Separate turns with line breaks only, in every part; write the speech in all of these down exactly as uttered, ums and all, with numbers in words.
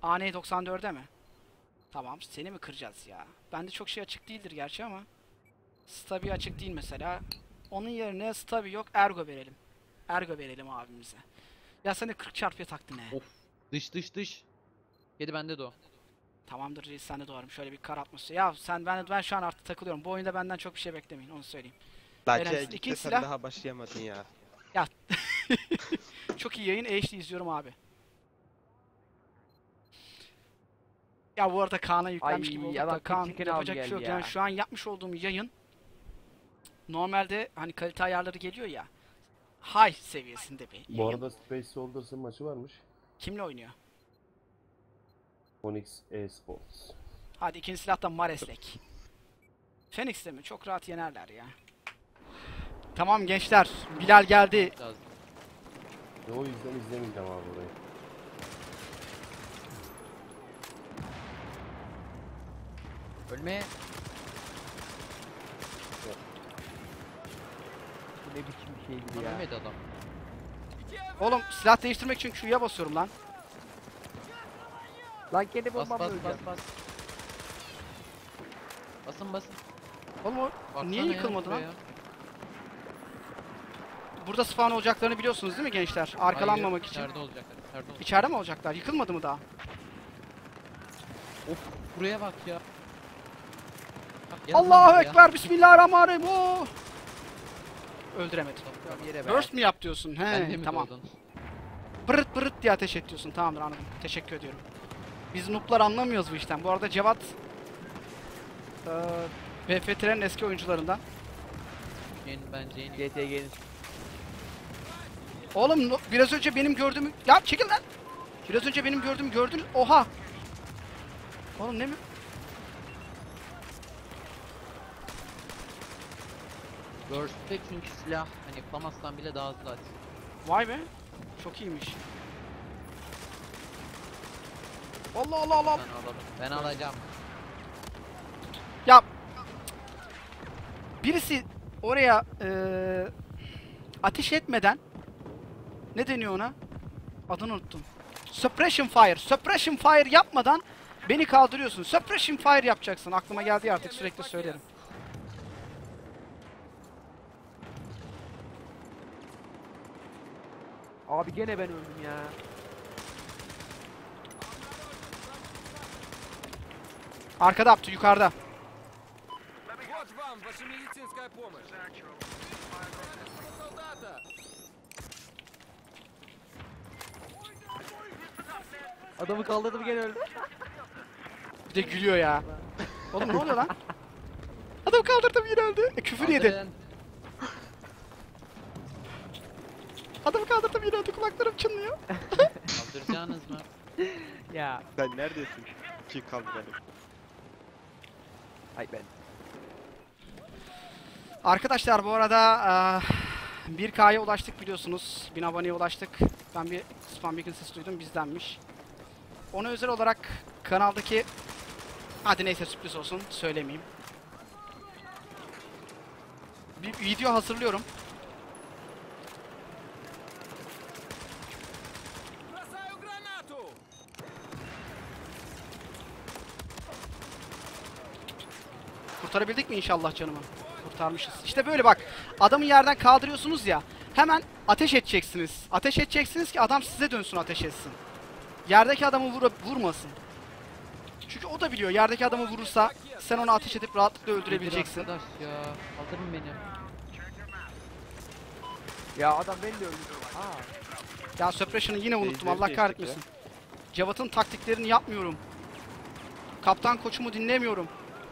A N doksan dörde mi? Tamam, seni mi kıracağız ya? Bende çok şey açık değildir gerçi ama. Stabi açık değil mesela. Onun yerine Stabi yok, Ergo verelim. Ergo verelim abimize. Ya sen de kırk çarpıya taktın he.
Of. Dış dış dış. Kedi bende de o.
Tamamdır reis, sen de doğarım. Şöyle bir kar atması. Ya sen ben ben şu an artık takılıyorum. Bu oyunda benden çok bir şey beklemeyin, onu söyleyeyim.
Lakin
Eren,
gitti
ikinci
sen
silah.
daha başlayamadın ya.
Ya çok iyi yayın, H D izliyorum abi. Ya bu arada Kaan'a yüklenmiş
Ay,
gibi olduk da
adam
Kaan
tek çekeni
yapacak
aldı
bir şey yok.
geldi
Yani
ya.
şu an yapmış olduğum yayın normalde hani kalite ayarları geliyor ya, high seviyesinde bir
Bu
yayın.
arada Space Soldiers'ın maçı varmış.
Kimle oynuyor?
Onyx Esports.
Hadi ikinci silah da Mareslek. Phoenix'te mi? Çok rahat yenerler ya. Tamam gençler, Bilal geldi.
Lazım.
Ve o yüzden izlemeyeceğim abi burayı.
Ölmeye.
Bu ne biçim bir şeydi
Lan
ya.
ölmedi adam.
Oğlum silah değiştirmek için Q'ya basıyorum lan.
Lan kendi
Bas
bombamla
bas bas
öleceğim.
bas. Basın basın.
Oğlum o
Baksana
niye
ya
yıkılmadı lan?
şuraya.
Burada spawn olacaklarını biliyorsunuz değil mi gençler? Arkalanmamak
Hayır,
için.
İçeride olacaklar. İçeride olacak.
İçeride mi olacaklar? Yıkılmadı mı daha?
Of buraya bak ya. Bak, gel
Allahu
lan buraya.
Ekber, Bismillahirrahmanirrahim. Oo! Öldüremedim.
Ya yere be.
Burst mi yap diyorsun?
Sen de
He,
mi
tamam.
doğdun?
Pırıt pırıt diye ateş et diyorsun. Tamamdır, anladım. Teşekkür ediyorum. Biz noob'lar anlamıyoruz bu işten. Bu arada Cevat eee B F T'lerin eski oyuncularından.
Yeni bence yeni.
G T G'nin.
Oğlum no- biraz önce benim gördüğümü... Ya çekil lan! Biraz önce benim gördüğümü gördünüz. Oha! Oğlum ne mi?
Burst'te çünkü silah hani Famas'tan bile daha hızlı atıyor.
Vay be. Çok iyiymiş. Allah Allah Allah.
Ben alalım. Ben alacağım.
Ya birisi oraya eee ateş etmeden, ne deniyor ona? Adını unuttum. Suppression fire. Suppression fire yapmadan beni kaldırıyorsun. Suppression fire yapacaksın. Aklıma geldi ya, artık sürekli söylerim.
Abi gene ben öldüm ya.
Arkada Abdü, yukarıda.
Вот вам ваша медицинская помощь. Солдата!
Adamı kaldırdım gene öldüm.
Bir de gülüyor ya. Oğlum ne oluyor lan? Adam kaldırdım yine öldü. E, küfür yedi.
Kaldırın.
Adamı kaldırdım yine öldü. Kulaklarım çınlıyor.
Kaldıracaksınız mı?
Ya.
Sen neredesin? Kim kaldı benim?
Ay ben.
Arkadaşlar bu arada eee bir K'ya ulaştık biliyorsunuz. bin aboneye ulaştık. Ben bir spam beacon sesi duydum, bizdenmiş. Ona özel olarak kanaldaki... Hadi neyse, sürpriz olsun, söylemeyeyim. Bir video hazırlıyorum.
Бросаю гранату!
Kurtarabildik mi inşallah canımı? Kurtarmışız. İşte böyle bak. Adamı yerden kaldırıyorsunuz ya. Hemen ateş edeceksiniz. Ateş edeceksiniz ki adam size dönsün, ateş etsin. Yerdeki adamı vura, vurmasın. Çünkü o da biliyor, yerdeki adamı vurursa sen onu ateş edip rahatlıkla öldürebileceksin.
Nedir arkadaş ya. Kaldırın beni.
Ya adam beni de öldürdü. Aa.
Ya Suppression'ı yine unuttum,
Seyircileri
Allah
geçtik
kahretmesin. Cevat'ın taktiklerini yapmıyorum. Kaptan koçumu dinlemiyorum.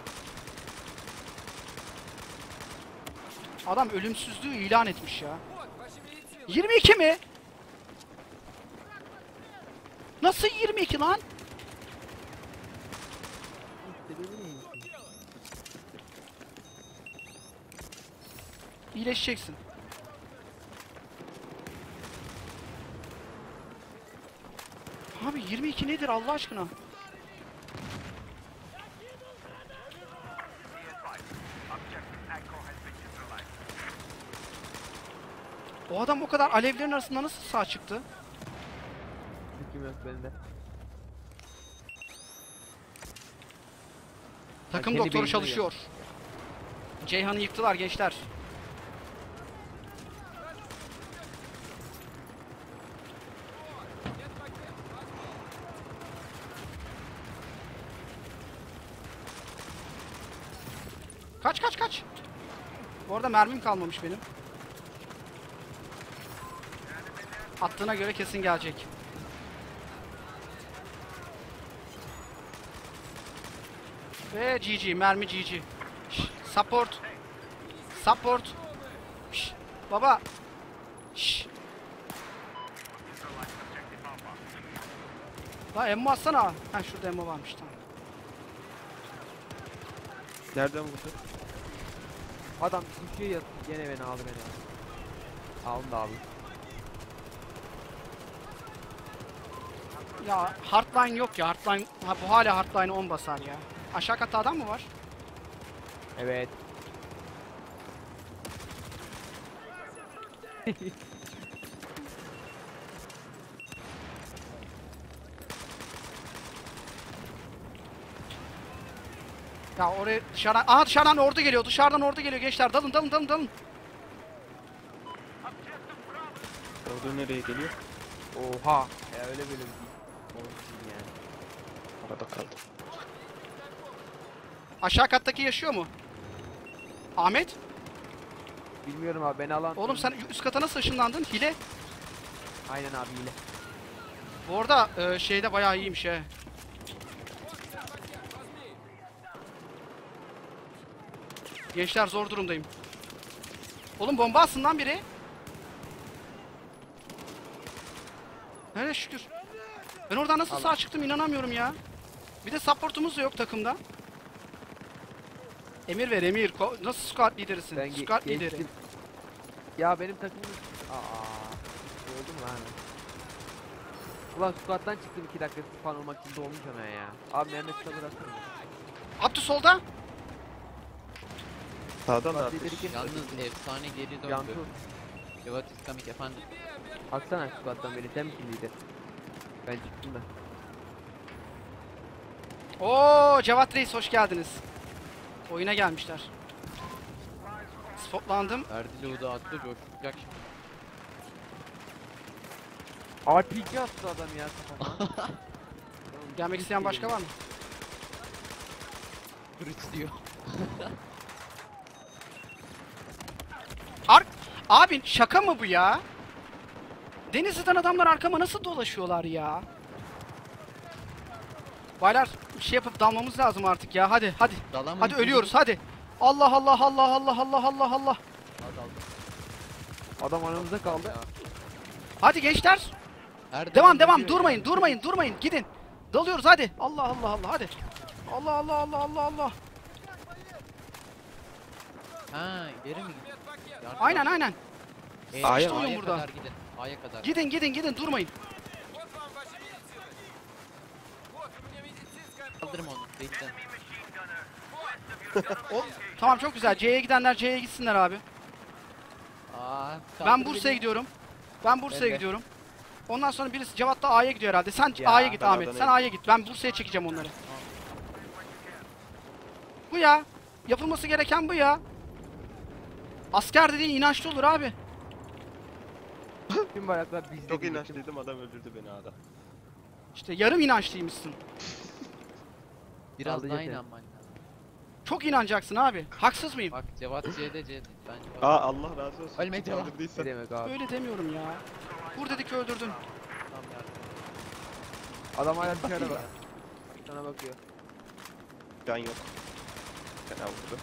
Adam ölümsüzlüğü ilan etmiş ya.
Вот ваша медицина!
yirmi iki mi? Nasıl yirmi iki lan?
Sebebi neymiş?
İyileşeceksin. Abi yirmi iki nedir Allah aşkına? O adam o kadar alevlerin arasında nasıl sağ çıktı?
Hüküm yok bende.
Takım
kendi
doktoru
beynine
çalışıyor. Ceyhan'ı yıktılar gençler. Kaç kaç kaç. Bu arada mermim kalmamış benim. Attığına göre kesin gelecek. Ve G G, mermi G G. Şş, support. Support. Şş, baba. Şş. La emmo atsana. Ha şurada emmo varmış tamam.
Nereden vurdu?
Adam düşüyor ya gene beni aldı beni. Aldı abi.
Ya hardline yok ya hardline. Ha, bu hala hardline on basar ya. Aşağı katta adam mı var?
Evet.
Ya oraya dışarıdan... Aha dışarıdan ordu geliyor. Dışarıdan ordu geliyor gençler. Dalın dalın dalın dalın.
Orada nereye geliyor?
Oha. Ya öyle böyle bir şey. Olsun yani.
Arada kaldı.
Aşağı kattaki yaşıyor mu? Ahmet?
Bilmiyorum abi beni alan.
Oğlum sen üst kata nasıl ışınlandın? Hile.
Aynen abi hile.
Bu arada e, şeyde bayağı iyiymiş he. Gençler zor durumdayım. Oğlum bomba atsın lan biri. Hele şükür. Ben oradan nasıl sağ çıktım inanamıyorum ya. Bir de supportumuz da yok takımda. Emir ver Emir. Ko- Nasıl squad liderisin?
Ben ge-
Squad lideri.
geçtim. Ya benim takımım... Aa. Oldu mu lan? Ulan squat'tan çıktım iki dakika fan olmak için dolmuş hemen ya. Abi Mehmet sabır atsana.
Abdü solda.
Sağdan da
Squat
ateş.
lideri kim?
Yalnız efsane geri
Cantu.
döndü. Cevat İskamik efendim.
Atsana squat'tan beni sen misin lider? Ben çıktım da.
Oo Cevat Reis hoş geldiniz. Oyuna gelmişler. Spotlandım.
Verdi loot'u attı coşacak şimdi.
R P G attı adam ya kafama.
Gelmek isteyen başka var mı?
Kırıç diyor.
Ar Abi şaka mı bu ya? Denizli'den adamlar arkama nasıl dolaşıyorlar ya? Baylar bir şey yapıp dalmamız lazım artık ya. Hadi hadi.
Dalamayın.
Hadi ölüyoruz hadi. Allah Allah Allah Allah Allah Allah Allah.
Hadi aldım.
Adam aramızda kaldı.
Ya.
Hadi gençler.
Her
Devam
zaman
devam
ölüyor
durmayın
ya.
durmayın durmayın gidin. Dalıyoruz hadi. Allah Allah Allah hadi. Allah Allah Allah Allah Allah.
Ha geri mi gidiyor? Yardım
Aynen
al.
aynen.
Ee,
A'ya
mı?
A'ya
burada.
kadar gidin. A'ya kadar.
Gidin gidin gidin durmayın.
Вот вам ваша медицина. Вот у меня медицинская
Kaldırım onu. Bekle.
O, tamam çok güzel. C'ye gidenler C'ye gitsinler abi.
Aa,
Ben
kaldır
Bursa'ya
beni.
gidiyorum. Ben Bursa'ya
Ben de.
gidiyorum. Ondan sonra birisi Cevat da A'ya gidiyor herhalde. Sen
Ya,
A'ya git
ben
Ahmet.
Adana'ya
Sen A'ya git. Ben Bursa'ya çekeceğim onları. Bu ya. Yapılması gereken bu ya. Asker dediğin inançlı olur abi.
Tüm bayraklar bizde.
Çok
diyecektim.
inançlıydım, adam öldürdü beni A'da.
İşte yarım inançlıymışsın.
Biraz
Kaldı
daha
yeter.
inanman lazım.
Çok inanacaksın abi. Haksız mıyım?
Bak Cevat C'de C'de. Ben Cevat.
Aa Allah razı olsun.
Ölme Cevat.
Ne
Kaldırdıysan.
demek abi?
Öyle demiyorum ya. Vur dedik öldürdün.
Tamam yardım.
Adam hala dışarıda bak. Sana bakıyor.
Can yok. Fena vurdu.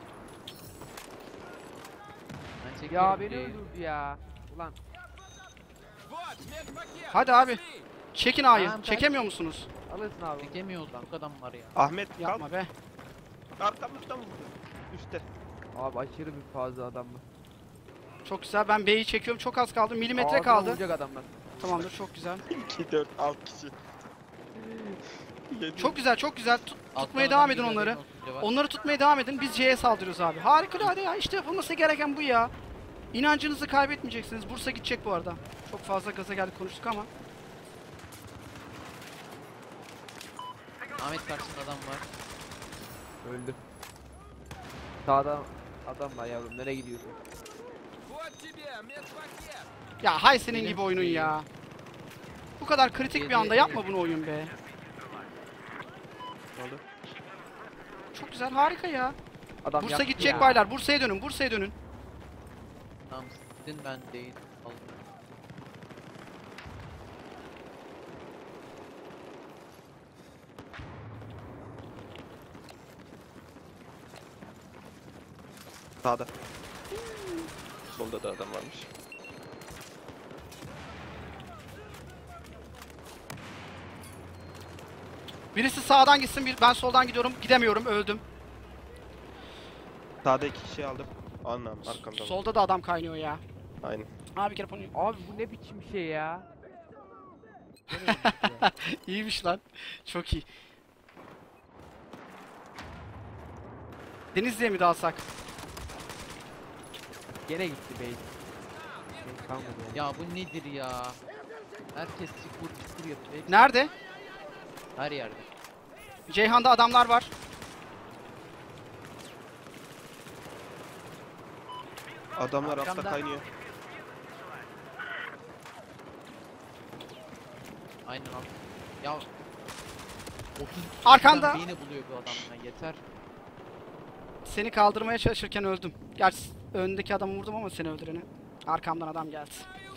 Ben çekiyorum
Ya beni
C'yi.
öldürdü ya. Ulan
Вот, медпакет.
Hadi abi.
Пошли.
Çekin A'yı.
Tamam, kaç.
Çekemiyor musunuz?
alırsın abi.
Çekemiyoruz. Çok adam var ya.
Ahmet kalk.
Yapma be.
Arkamızdan vurdu. Üste.
Abi aşırı bir fazla adam var.
Çok güzel. Ben B'yi çekiyorum. Çok az kaldı. Milimetre
Ağzına
kaldı.
vuracak adamlar.
Tamamdır. Çok güzel.
iki, dört, altı kişi. Yedi.
Çok güzel. Çok güzel. Tut-
Alttan
tutmaya
adam
devam edin
geliyor,
onları.
haberin olsun Cevat.
Onları tutmaya devam edin. Biz C'ye saldırıyoruz abi. Harikulade ya. İşte yapılması gereken bu ya. İnancınızı kaybetmeyeceksiniz. Bursa gidecek bu arada. Çok fazla gaza geldik konuştuk ama.
Ahmet karşında adam var.
Öldü. Sağda adam var yavrum, nereye gidiyorsun?
Вот тебе, медпакет.
Ya hay senin
Benim
gibi oyunun
şeyim.
ya. Bu kadar kritik bir anda yapma bunu oyun be.
Ne oldu?
Çok güzel, harika ya.
Adam
Bursa
yaptı
gidecek
ya.
baylar. Bursa'ya dönün, Bursa'ya dönün.
Tamam sizin ben değil. Aldım.
Sağda. Solda da adam varmış.
Birisi sağdan gitsin, bir ben soldan gidiyorum. Gidemiyorum, öldüm.
Sağda iki kişi aldım. Anlam arkamda.
Solda da adam kaynıyor ya.
Aynen.
Abi bir kere bunu...
Abi bu ne biçim şey ya? Nereye gitti ya?
İyiymiş lan. Çok iyi. Denizli'ye mi dalsak?
Gene gitti bey. Şey kalmadı ya.
Ya bu nedir ya? Herkes çukur çukur yapıyor. Hepsi
Nerede?
her yerde.
Ceyhan'da adamlar var.
Adamlar
Arkamda.
altta kaynıyor.
Aynen abi. Ya otuz
Arkanda.
beyni buluyor bu adamdan yeter.
Seni kaldırmaya çalışırken öldüm. Gerçi öndeki adamı vurdum ama seni öldüreni. Arkamdan adam geldi.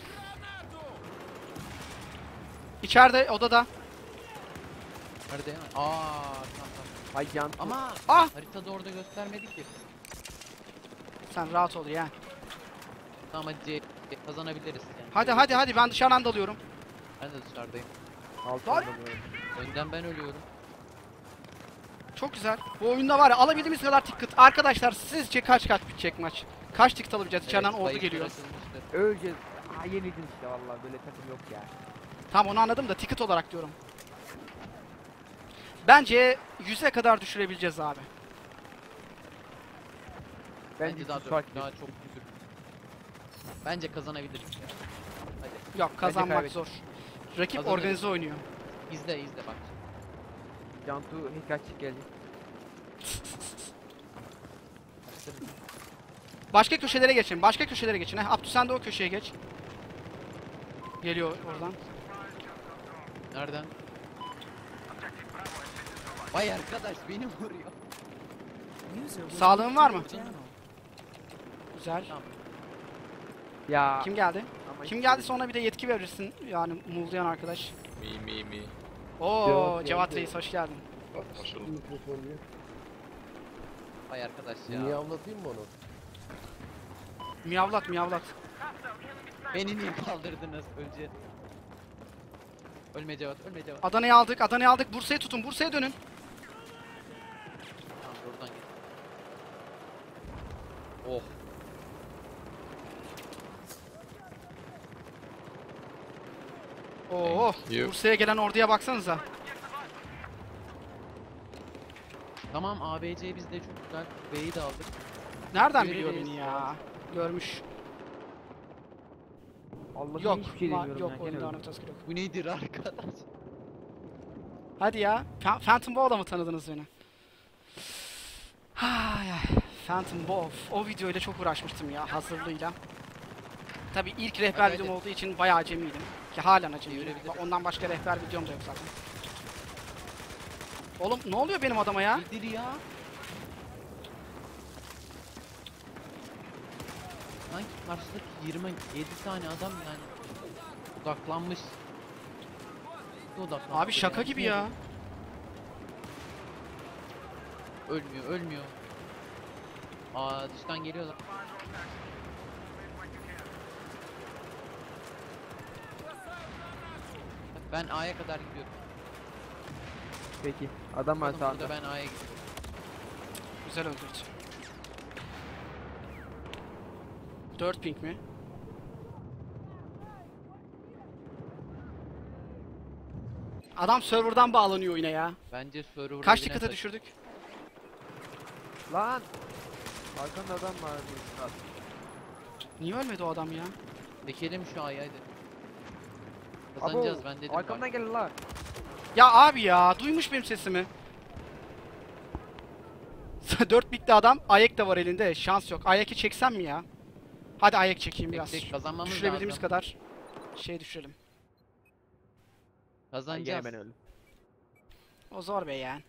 İçeride odada.
Nerede ya? Aa tamam tamam.
Ay yan.
Ama
Ah!
haritada orada göstermedi ki.
Sen rahat ol ya.
Tamam hadi C kazanabiliriz yani.
Hadi hadi hadi ben dışarıdan dalıyorum.
Ben de dışarıdayım.
Altından dalıyorum.
Önden ben ölüyorum.
Çok güzel. Bu oyunda var ya alabildiğimiz kadar ticket. Arkadaşlar sizce kaç kaç bitecek maç? Kaç ticket alabileceğiz? İçeriden
Evet,
ordu
bayıklar
geliyor.
açılmıştır.
Öleceğiz. Aa yenildin işte vallahi, böyle takım yok ya.
Tamam onu anladım da ticket olarak diyorum. Bence yüze kadar düşürebileceğiz abi.
Bence
Bence daha,
sus fark
daha
ediyor.
çok düşür. Bence kazanabiliriz ya. Hadi
Yok kazanmak
kaybet-
zor. Rakip
Kazanırız.
organize oynuyor.
izle izle bak.
Cantu Hikachi geldi.
Başka köşelere geçin. Başka köşelere geçin. Heh, Abdü sen de o köşeye geç. Geliyor oradan.
Nereden? Vay arkadaş beni vuruyor.
Sağlığın var mı? Güzel.
Tamam.
Ya.
Kim geldi?
ama
Kim
işte-
geldiyse ona bir de yetki verirsin. Yani muğlayan arkadaş.
Mi mi mi.
Oo
Cevat
Cevat
geldi.
Reis hoş geldin.
Hoş bulduk.
Mikrofon diyor.
Vay arkadaş ya.
Niye anlatayım mı onu?
Miyavlat miyavlat.
Beni niye kaldırdınız önce? Ölme Cevat, ölme Cevat.
Adana'yı aldık, Adana'yı aldık. Bursa'ya tutun, Bursa'ya dönün.
Tamam buradan git. Oh.
Oo,
Thank you.
Bursa'ya gelen orduya baksanıza.
Tamam A B C bizde çok güzel. B'yi de aldık.
Nereden
Yürü
biliyor
reis
beni
ya.
ya? Görmüş.
Allah'ım
Yok,
hiçbir şey
ma-
demiyorum
yok
ya. Gene
oyunda
öldüm.
anahtar yok.
Bu nedir arkadaş?
Hadi ya. Fa- Phantom Bow'la mı tanıdınız beni? Ay ay. Phantom Bow. O videoyla çok uğraşmıştım ya hazırlığıyla. Tabi ilk rehber
Hadi,
videom
hadi.
olduğu için bayağı acemiydim. Ki halen acemiyim.
Çevirebiliriz.
Ondan başka rehber videom da yok zaten. Oğlum ne oluyor benim adama ya?
Nedir ya? Sanki karşıdaki yirmi yedi tane adam yani odaklanmış. Odaklanmış.
Abi şaka gibi ya.
Ölmüyor, ölmüyor. Aa dıştan geliyorlar. Bak, ben A'ya kadar gidiyorum.
Peki. Adam var
Oğlum
sağda.
burada ben A'ya gidiyorum.
Güzel öldürdü. dört ping mi? Adam serverdan bağlanıyor oyuna ya.
Bence server
Kaç
evine
ticket'a
taşı-
düşürdük?
Lan. Arkanda adam var. Murat.
Niye ölmedi o adam ya?
Çekelim şu A'yı hadi. Kazanacağız
Abo,
ben dedim.
arkamdan gelin lan.
Ya abi ya duymuş benim sesimi. dört bikli adam. Ayak da var elinde. Şans yok. Ayak'ı çeksem mi ya? Hadi ayak çekeyim biraz.
Tek tek kazanmamız
Düşürebildiğimiz
lazım.
kadar şey düşürelim.
Kazanacağız.
Gene ben öldüm.
O zor be yani.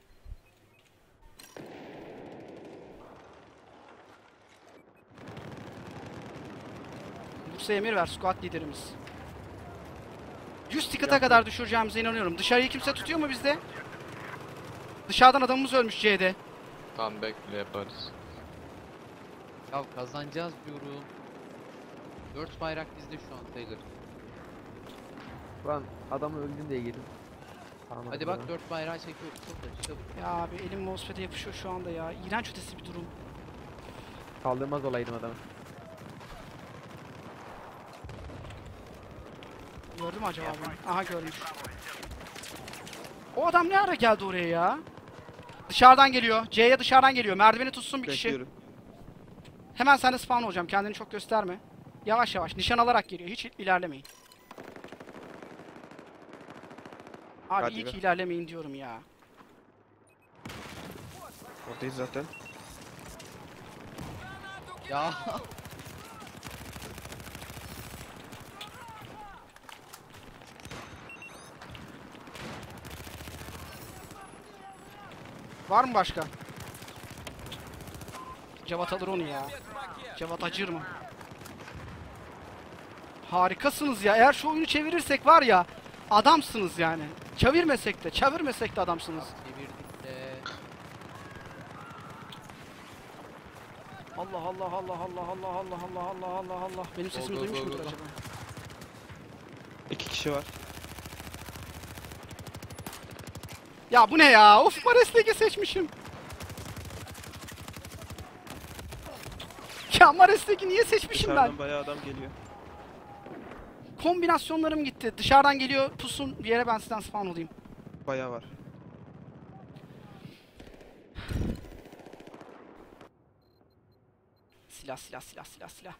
Bursa emir ver squad liderimiz. yüz ticket'a kadar düşüreceğimize inanıyorum. Dışarıyı kimse tutuyor mu bizde? Dışarıdan adamımız ölmüş C'de.
Comeback bile yaparız.
Ya kazanacağız diyorum. dört bayrak bizde şu an Tiger.
Ulan adamı öldüm diye girdim. Tamam,
Hadi bak dört bayrağı çekiyoruz. Çok da çabuk.
Ya abi elim mousepad'e yapışıyor şu anda ya. İğrenç ötesi bir durum.
Kaldırmaz olaydım adamı.
Gördü mü acaba beni? Aha görmüş. O adam ne ara geldi oraya ya? Dışarıdan geliyor. C'ye dışarıdan geliyor. Merdiveni tutsun bir kişi.
Bekliyorum.
Hemen sen de spawn olacağım. Kendini çok gösterme. Yavaş yavaş. Nişan alarak geliyor. Hiç ilerlemeyin. Abi
Hadi
iyi
be.
ki ilerlemeyin diyorum ya.
Oradayız zaten.
Ya
Var mı başka? Cevat alır onu ya. Cevat acır mı? Harikasınız ya. Eğer şu oyunu çevirirsek var ya, adamsınız yani. Çevirmesek de, çevirmesek de adamsınız.
çevirdik de.
Allah Allah Allah Allah Allah Allah Allah Allah Allah Allah. Benim sesimi
go,
duymuş
go,
mudur
go, go.
acaba?
İki kişi var.
Ya bu ne ya? Of, Mares'teki seçmişim. Ya Mares'teki niye seçmişim ben?
Dışarıdan bayağı adam geliyor.
Kombinasyonlarım gitti. Dışarıdan geliyor, pusun bir yere, ben sizden spawn olayım.
Bayağı var.
Silah silah silah silah silah.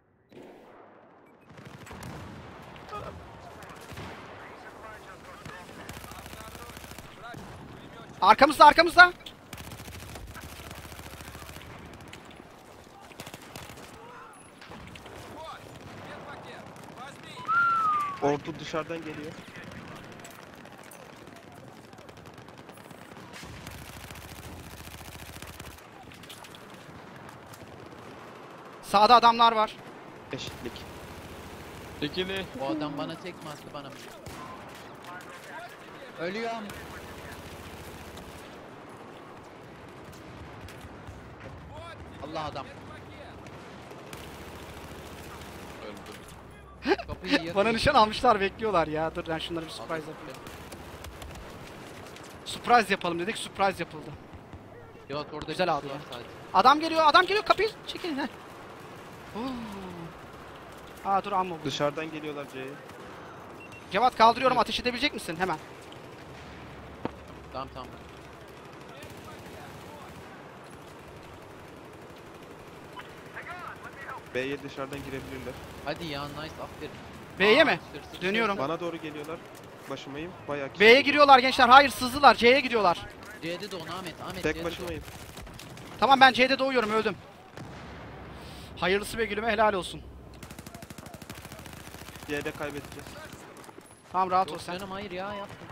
Arkamızda arkamızda.
Ordu dışarıdan geliyor.
Sağda adamlar var.
Eşitlik.
İkili.
O adam bana tek mi attı bana mı? Ölüyorum. Allah adam.
Öldü.
Kapıyı yakıyor.
Bana nişan almışlar, bekliyorlar ya. Dur ben şunları bir surprise yapayım. Surprise yapalım dedik, surprise yapıldı.
Evet orada
Güzel
bir
aldı
su var
ya.
sadece.
Adam geliyor, adam geliyor, kapıyı çekin. Heh. Oo. Aa dur amma bu.
Dışarıdan geliyorlar C'ye.
Cevat kaldırıyorum, ateş edebilecek misin? Hemen.
Tamam tamam.
B'ye dışarıdan girebilirler.
Hadi ya nice aferin.
B'ye
Aa,
mi?
hırsız
Dönüyorum.
şey var.
Bana doğru geliyorlar. Başımayım. Bayağı kişi.
B'ye giriyorlar gençler. Hayır, sızdılar. C'ye gidiyorlar.
C'de de onu Ahmet. Ahmet
Tek
C'de de
başımayım.
Tamam, ben C'de doğuyorum, öldüm. Hayırlısı be gülüme, helal olsun.
C'de kaybedeceğiz.
Tamam, rahat
o.
ol
Yok
sen.
canım hayır ya yaptım.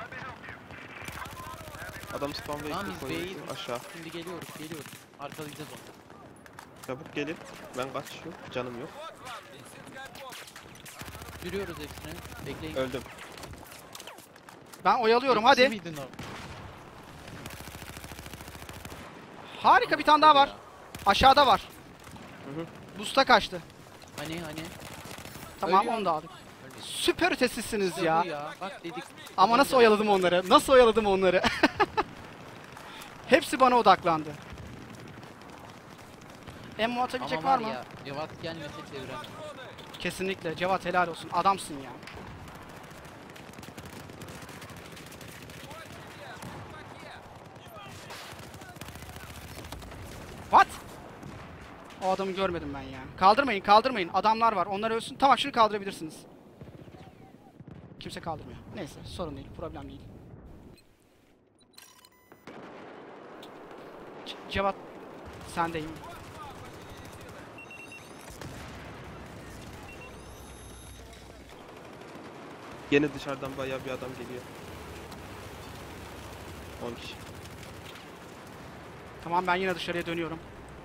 Adam spawn ve
Tamam
ekip
biz
koyuyor
B'yiz.
aşağı.
Şimdi geliyoruz geliyoruz. Arkalayacağız onu.
Çabuk gelin. Ben kaçıyorum. Canım yok.
Sürüyoruz hepsini. Bekleyin.
Öldüm.
Ben oyalıyorum,
Yetişir
hadi.
miydin o?
Harika, bir tane daha var. Aşağıda var.
Hı hı.
Boost'a kaçtı.
Hani hani.
Tamam,
Ölüyor.
onu da aldık.
Öyle.
Süper ötesisiniz
İşte
ya.
bu ya. Bak dedik.
Ama nasıl oyaladım onları? Nasıl oyaladım onları? Hepsi bana odaklandı. Emmo atabilecek
Ama
var
var
mı?
ya. Cevat gelmese çeviremem.
Kesinlikle. Cevat helal olsun. Adamsın ya. What? O adamı görmedim ben ya. Kaldırmayın, kaldırmayın. Adamlar var. Onlar ölsün. Tamam, şunu kaldırabilirsiniz. Kimse kaldırmıyor. Neyse, sorun değil. Problem değil. Ce- Cevat Sendeyim.
Yine dışarıdan bayağı bir adam geliyor. on kişi.
Tamam ben yine dışarıya dönüyorum.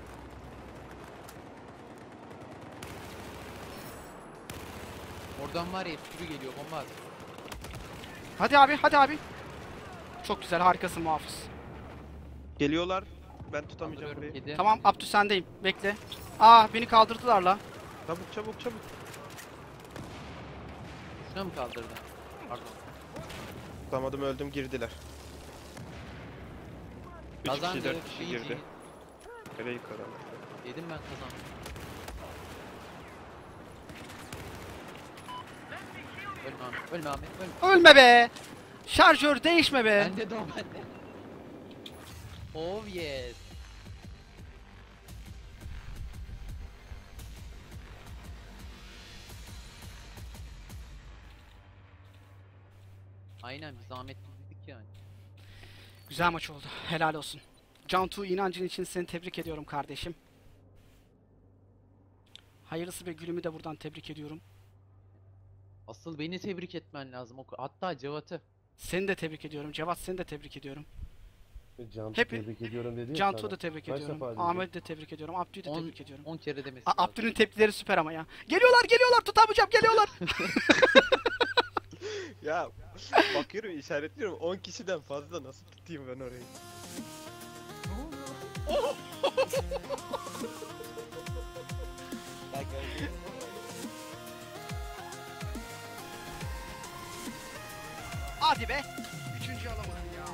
Oradan var ya sürü geliyor bomba at.
Hadi abi, hadi abi. Çok güzel, harikasın muhafız.
Geliyorlar. Ben tutamayacağım
Kaldırıyorum
burayı.
kedi.
Tamam Abdü sendeyim. Bekle. Aa beni kaldırdılar la.
Çabuk çabuk çabuk.
Şuna mı kaldırdın? Pardon.
Tutamadım, öldüm, girdiler. Üç kişi
Kazandı.
dört kişi
Fiji.
girdi. Nereye yukarı?
Dedim ben kazandım. Ölme Ahmet, ölme Ahmet, ölme.
Ölme be. Şarjör değişme be.
Bende de o bende. Oh yes. Aynen biz zahmetliydik yani.
Güzel maç oldu. Helal olsun. Cantu, inancın için seni tebrik ediyorum kardeşim. Hayırlısı ve gülümü de buradan tebrik ediyorum.
Asıl beni tebrik etmen lazım. O- Hatta Cevat'ı.
Seni de tebrik ediyorum. Cevat seni de tebrik ediyorum.
Cantu
Hep-
tebrik ediyorum dedi ya
Cantu'yu
sana.
da tebrik
Kaç
ediyorum.
defa dedi?
Ahmet'i de tebrik ediyorum. Abdü'yü de
On-
tebrik ediyorum.
on kere demesi
A-
lazım.
Abdü'nün tepkileri süper ama ya. Geliyorlar geliyorlar, tutamayacağım, geliyorlar.
Ya bakıyorum, işaretliyorum. on kişiden fazla nasıl tutayım ben orayı?
Hadi be. Üçüncü alamadım ya.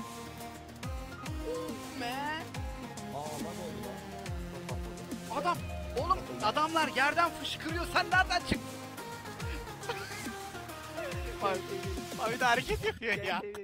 Oh man. Adam, oğlum adamlar yerden fışkırıyor. Sen nereden çıktın? Abi, abi de hareket yapıyor ya.